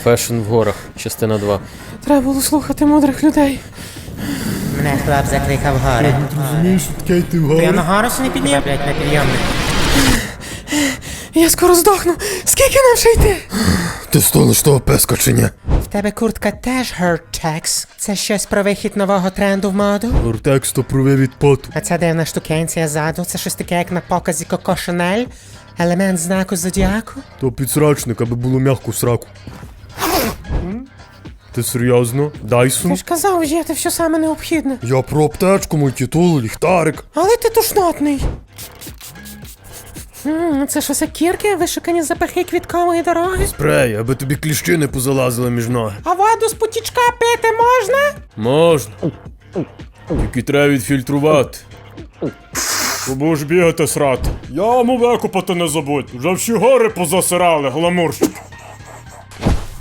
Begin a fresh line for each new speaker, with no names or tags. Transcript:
Фешн в горах, частина 2.
Треба було слухати мудрих людей.
Мене хлоп закликав гори.
Розумієш, що таке йти
Я
вгору?
на гору ще не підняв, блядь, на підйомник.
Я скоро здохну. Скільки нам ще йти?
Ти столиш того песка чи ні?
В тебе куртка теж Hurtex. Це щось про вихід нового тренду в моду?
Гортекс то прове від поту.
А ця дивна штукенція ззаду, це щось таке, як на показі Коко Шанель? Елемент знаку зодіаку?
То підсрачник, аби було м'яко в сраку. Ти серйозно?
Ти
Дайсон?
ж казав взяти все саме необхідне.
Я про аптечку, мультитул, ліхтарик.
Але ти тушнотний. Це що, кірки, вишукані запахи квіткової дороги?
Спрей, аби тобі кліщі не позалазили між ноги.
А воду з потічка пити можна?
Можна. Тільки треба відфільтрувати. Бо будеш бігати срати. Яму викопати не забудь. Вже всі гори позасирали, гламурщик.